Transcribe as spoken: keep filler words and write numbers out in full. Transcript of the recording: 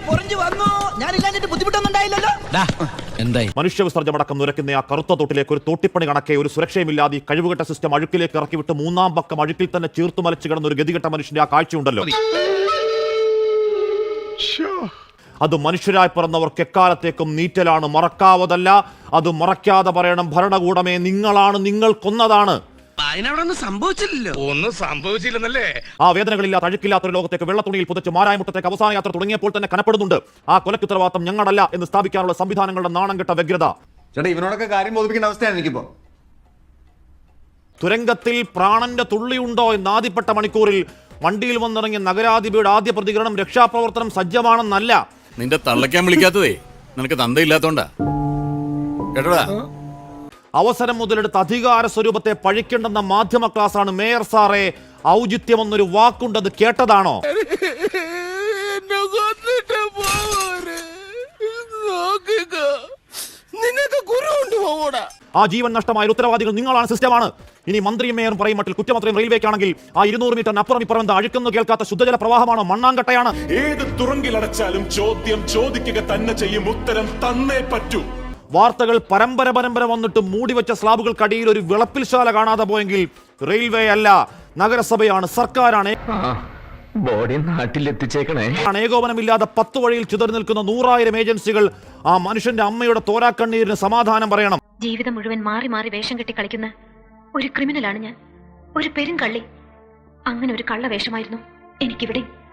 മനുഷ്യ വിസർജമടക്കം നിരക്കുന്ന ആ കറുത്ത തോട്ടിലേക്ക് ഒരു തോട്ടിപ്പണി കണക്കെ ഒരു സുരക്ഷയുമില്ലാതെ കഴിവുകെട്ട സിസ്റ്റം അഴുക്കിലേക്ക് ഇറക്കിവിട്ട് മൂന്നാം പക്കം അഴുക്കിൽ തന്നെ ചീർത്തു മലച്ചു കിടന്ന ഒരു ഗതികെട്ട മനുഷ്യന്റെ ആ കാഴ്ചയുണ്ടല്ലോ. അത് മനുഷ്യരായി പിറന്നവർക്ക് എക്കാലത്തേക്കും നീറ്റലാണ്, മറക്കാവതല്ല. അത് മറക്കാതെ പറയണം, ഭരണകൂടമേ നിങ്ങളാണ്, നിങ്ങൾ കൊന്നതാണ്. സംഭവിച്ചില്ലല്ലോ ഒന്നും സംഭവിച്ചില്ലെന്നല്ലേ. ആ വേദനകളില്ലാത്ത അഴുക്കില്ലാത്ത ഒരു ലോകത്തേക്ക് വെള്ളത്തുണിയിൽ പുതച്ച് മാരായമുട്ടത്തേക്ക് അവസാന യാത്ര തുടങ്ങിയപ്പോൾ തന്നെ കനപ്പെടുന്നുണ്ട്. ആ കൊലക്ക് ഉത്തരവാദിത്തം ഞങ്ങളല്ല എന്ന് സ്ഥാപിക്കാനുള്ള സംവിധാനങ്ങളുടെ നാണം കെട്ട വ്യഗ്രത. ചേട്ടാ ഇവനോടൊക്കെ കാര്യം ബോധിപ്പിക്കേണ്ട അവസ്ഥയാണ് എനിക്കിപ്പോ. തുരങ്കത്തിൽ പ്രാണന്റെ തുള്ളിയുണ്ടോ എന്ന് ആദ്യപ്പെട്ട മണിക്കൂറിൽ വണ്ടിയിൽ വന്നിറങ്ങിയ നഗരാധിപയുടെ ആദ്യ പ്രതികരണം രക്ഷാപ്രവർത്തനം സജ്ജമാണെന്നല്ല. നിന്റെ തള്ളയ്ക്കാൻ വിളിക്കാത്തതേ നിനക്ക് തന്തയില്ലാത്തോണ്ടാ കേട്ടോടാ. അവസരം മുതലെടുത്ത് അധികാര സ്വരൂപത്തെ പഴിക്കേണ്ടെന്ന മാധ്യമ ക്ലാസ്സാണ്. മേയർ സാറേ, ഔചിത്യം എന്നൊരു വാക്കുണ്ടത് കേട്ടതാണോ? ആ ജീവൻ നഷ്ടമായ ഉത്തരവാദികൾ നിങ്ങളാണ്, സിസ്റ്റമാണ്. ഇനി മന്ത്രിയും മേയറും പറയും മട്ടിൽ കുറ്റമത്രയും റെയിൽവേക്കാണെങ്കിൽ ആ ഇരുന്നൂറ് മീറ്ററിന് അപ്പുറം ഇപ്പുറം അഴുക്കുന്നു കേൾക്കാത്ത ശുദ്ധജല പ്രവാഹമാണോ, മണ്ണാങ്കട്ടയാണ്? ഏത് തുറങ്കിലടച്ചാലും ചോദ്യം ചോദിക്കുക തന്നെ ചെയ്യും, ഉത്തരം തന്നേ പറ്റൂ. വാർത്തകൾ പരമ്പര പരമ്പര വന്നിട്ട് മൂടിവെച്ച സ്ലാബുകൾക്കടിയിൽ ഒരു വിളപ്പിൽശാല കാണാതെ പോയെങ്കിൽ റെയിൽവേ അല്ല, നഗരസഭയാണ്, സർക്കാരാണ്. ബോഡി നാട്ടിലെത്തിച്ചേക്കണേ. ഏകോപനമില്ലാതെ പത്ത് വഴിയിൽ ചിതറി നിൽക്കുന്ന നൂറായിരം ഏജൻസികൾ. ആ മനുഷ്യന്റെ അമ്മയുടെ തോരാക്കണ്ണീരിന് സമാധാനം പറയണം. ജീവിതം മുഴുവൻ മാറി മാറി വേഷം കെട്ടി കളിക്കുന്ന ഒരു ക്രിമിനലാണ് ഞാൻ, ഒരു പെരുങ്കള്ളി. അങ്ങനെ ഒരു കള്ള വേഷമായിരുന്നു എനിക്കിവിടെ.